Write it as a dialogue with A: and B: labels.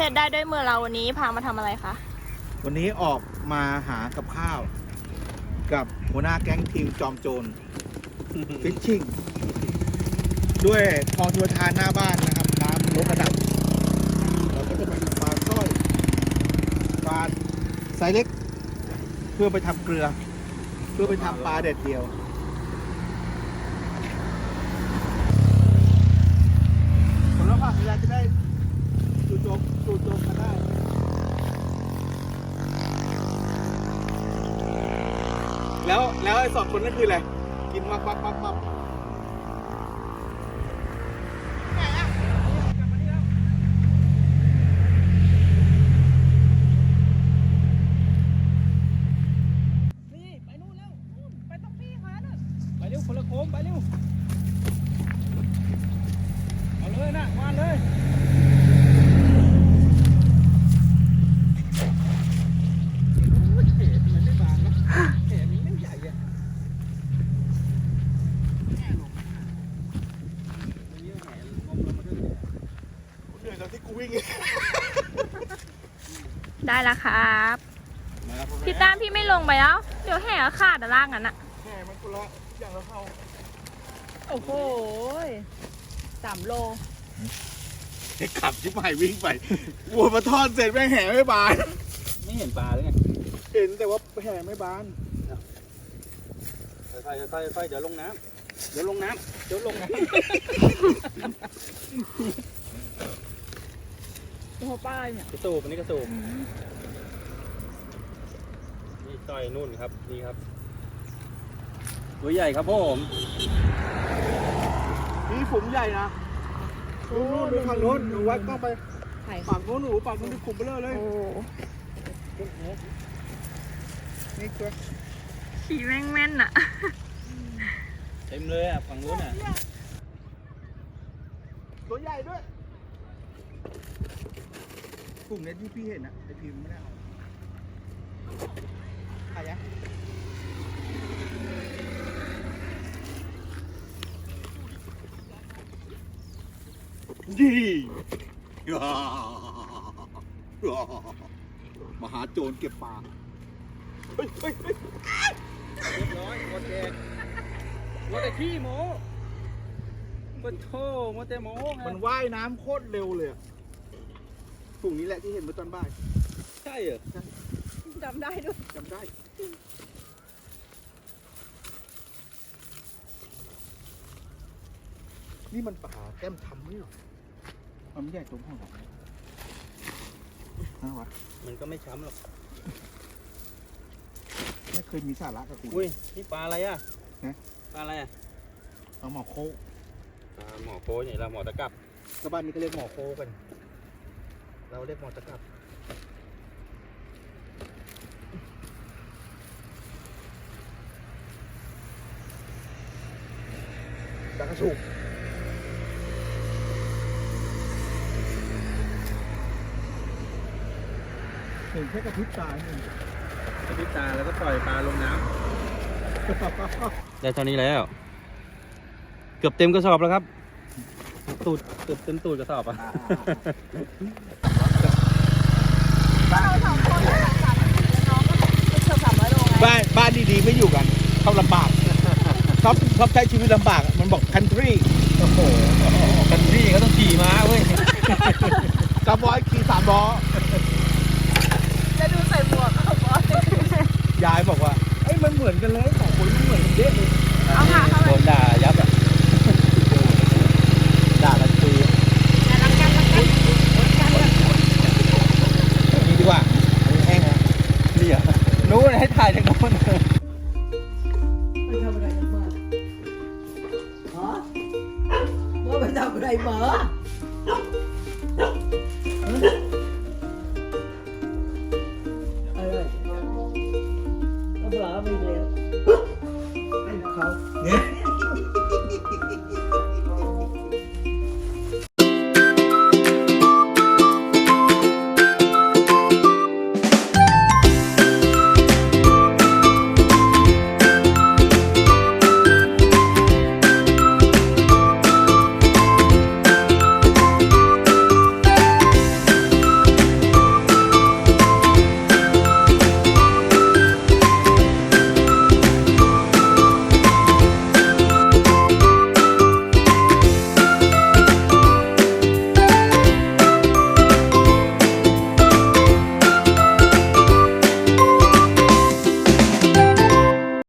A: ร็จได้ด้วยมือเราวันนี้พามาทำอะไรคะ
B: วันนี้ออกมาหากับข้าว กับหัวหน้าแก๊งทีมจอมโจรฟิชชิ่งด้วยคลองชลประทานหน้าบ้านนะครับน้ำลดระดับเราก็จะมาดูปลาสร้อยปลาไซส์เล็ก เพื่อไปทำเกลือ เพื่อไปทำปลาแดดเดียวผลลัพธ์เวลาจะได้จู่โจมกันได้แล้วไอ้สองคนนั่นคืออะไรกินวักไหนอะ
C: นี่ไปนู่นแล้วนู่นไปตรงพี่ขาน่ะไปเร็วคนละโค้งไปเร็วเอาเลยนะวานเลยเห็ดมันไม่บางนะเห็ดมันไม่ใหญ่อะแง่ลงมันเยอะแหงงมลงมาด้วย
B: เหนื่อยตอนที่กูวิ่ง
A: ได้แล้วครับ
B: มาครับ
A: พี่ตามพี่ไม่ลงไปแล้ว เดี๋ยวแห่ขาดอะล่างนั้นอะ
B: แค่มันคนละอย่างละเท่า
C: โอ้โห3 โล
B: ไอ้ขับชิบหายวิ่งไปวัวมาทอดเสร็จแม่งแห่ไม่บาน
C: ไม่เห็นปลาเลยไง
B: เห็นแต่ว่าแห่ไม่บาน
C: ค่อยๆเดี๋ยวลงน้ำเดี๋ยวลงน้ำ
A: ตัวป้ายเนี่ย
C: กระสูบอันนี้กระสูบนี่ต่อยนู่นครับนี่ครับตัวใหญ่ครับผม
B: นี่ฝูงใหญ่นะนู่นไปฝั่งโน้นหนูวัดกล้องไปฝั่งโน้นหนูฝั่งโน้นที่ขุมไปเลย
A: โอ้
B: นี่ตัว
A: ขี่แม่นๆอะ
C: เต็มเลยอ่ะฝั่งนู้นอ่ะ
B: ตัวใหญ่ด้วยกลุ่มเนี้ยที่พี่เห็นอะไอพิมพ์ไม่ได้เอาใครอะยี่มหาโจรเก็บปลาเฮ้ย
C: เรียบร้อยหมดแดงหมดแต่ขี้โม้ปะโถหมดแต่โม้ครั
B: มั
C: บ
B: นว่ายน้ำโคตรเร็วเลยอะฝูงนี้แหละที่เห็นเมื่อตอนบ่าย
C: ใช่เหรอ
A: จำได้ด้วย
B: จำได้ นี่มันป่าแก้มทำไม่หรอมันไม่ใหญ่ตรงห้องหรอกนะวะ
C: มันก็ไม่ช้ำหรอก
B: ไม่เคยมีสาระกับคุณ
C: อุ้ยนี่ปลาอะไรอ่ะ
B: ฮะ
C: ปลาอะไรอ่ะ
B: เอาหมอโค
C: ปลาหมอโค้นี่เราหมอตะกับ
B: ชาวบ้านนี้ก็เรียกหมอโคกัน เราเรียกหมอตะกับตะกระสุกเห็นแค่กระพริบตาเอง
C: กระพริบตาแล้วก็ปล่อยปลาลงน้ำได้เท่านี้แล้ว เกือบเต็มกระสอบแล้วครับตูดเกือบเต็มตูดกระสอบอ่ะ
A: เราสองคนเลยน้องก็ไปเที่ยว300 โลไง
B: บ้านดีๆไม่อยู่กันชอบลำบากชอบใช้ชีวิตลำบากมันบอก country
C: โอ้โหกันพี่ก็ต้องขี่ม้าเว้ย
B: กระบอยขี่3 ล้อ
A: จะดูใส่หมวกเอาบอส
B: ยายบอกว่าเอ้ยมันเหมือนกันเลยสองคนมันเหมือนกันเยอะเลย
A: เอาค่ะเข้าไป
C: โดนด่ายับอ่ะ ด่ากันตุย
A: รักกัน
B: นี่ดีกว่าอันนี้แห้งนะ
C: นี่อ่ะนู้นให้ถ่ายจากโน้น
D: ไปทำอะไรกันมาฮะว่าไปทำอะไรมาอะไรเอาปลาไปแล้วให้เขา
B: เนี่ย